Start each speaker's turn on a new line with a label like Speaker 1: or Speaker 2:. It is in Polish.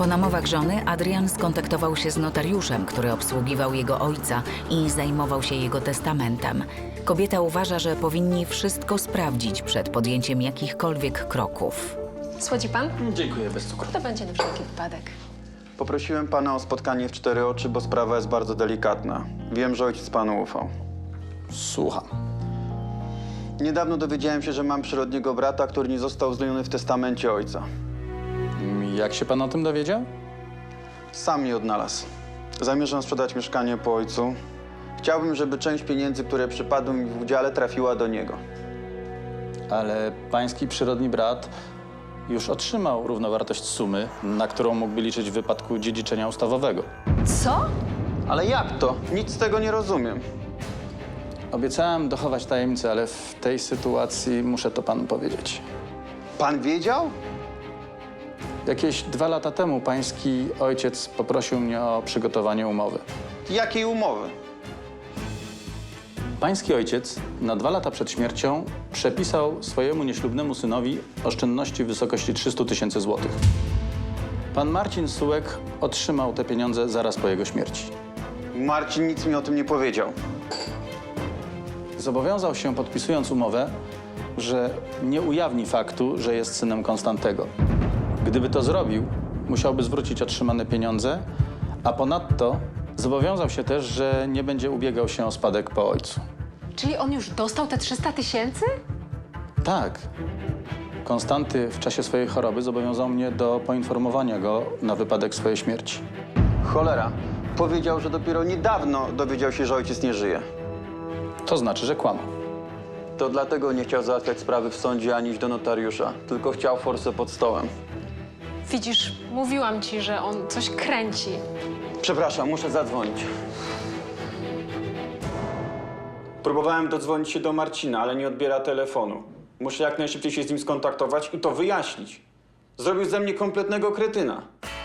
Speaker 1: Po namowach żony Adrian skontaktował się z notariuszem, który obsługiwał jego ojca i zajmował się jego testamentem. Kobieta uważa, że powinni wszystko sprawdzić przed podjęciem jakichkolwiek kroków.
Speaker 2: Słodzi pan?
Speaker 3: Dziękuję, bez cukru.
Speaker 2: To będzie na wszelki wypadek.
Speaker 4: Poprosiłem pana o spotkanie w 4 oczy, bo sprawa jest bardzo delikatna. Wiem, że ojciec panu ufał.
Speaker 3: Słucham.
Speaker 4: Niedawno dowiedziałem się, że mam przyrodniego brata, który nie został uwzględniony w testamencie ojca.
Speaker 3: Jak się pan o tym dowiedział?
Speaker 4: Sam mnie odnalazł. Zamierzam sprzedać mieszkanie po ojcu. Chciałbym, żeby część pieniędzy, które przypadły mi w udziale, trafiła do niego.
Speaker 3: Ale pański przyrodni brat już otrzymał równowartość sumy, na którą mógłby liczyć w wypadku dziedziczenia ustawowego.
Speaker 2: Co?
Speaker 4: Ale jak to? Nic z tego nie rozumiem.
Speaker 3: Obiecałem dochować tajemnicy, ale w tej sytuacji muszę to panu powiedzieć.
Speaker 4: Pan wiedział?
Speaker 3: Jakieś 2 lata temu pański ojciec poprosił mnie o przygotowanie umowy.
Speaker 4: Jakiej umowy?
Speaker 3: Pański ojciec na 2 lata przed śmiercią przepisał swojemu nieślubnemu synowi oszczędności w wysokości 300 000 złotych. Pan Marcin Sułek otrzymał te pieniądze zaraz po jego śmierci.
Speaker 4: Marcin nic mi o tym nie powiedział.
Speaker 3: Zobowiązał się, podpisując umowę, że nie ujawni faktu, że jest synem Konstantego. Gdyby to zrobił, musiałby zwrócić otrzymane pieniądze, a ponadto zobowiązał się też, że nie będzie ubiegał się o spadek po ojcu.
Speaker 2: Czyli on już dostał te 300 000?
Speaker 3: Tak. Konstanty w czasie swojej choroby zobowiązał mnie do poinformowania go na wypadek swojej śmierci.
Speaker 4: Cholera. Powiedział, że dopiero niedawno dowiedział się, że ojciec nie żyje.
Speaker 3: To znaczy, że kłamał.
Speaker 4: To dlatego nie chciał załatwiać sprawy w sądzie ani iść do notariusza. Tylko chciał forsę pod stołem.
Speaker 2: Widzisz, mówiłam ci, że on coś kręci.
Speaker 4: Przepraszam, muszę zadzwonić. Próbowałem dodzwonić się do Marcina, ale nie odbiera telefonu. Muszę jak najszybciej się z nim skontaktować i to wyjaśnić. Zrobił ze mnie kompletnego kretyna.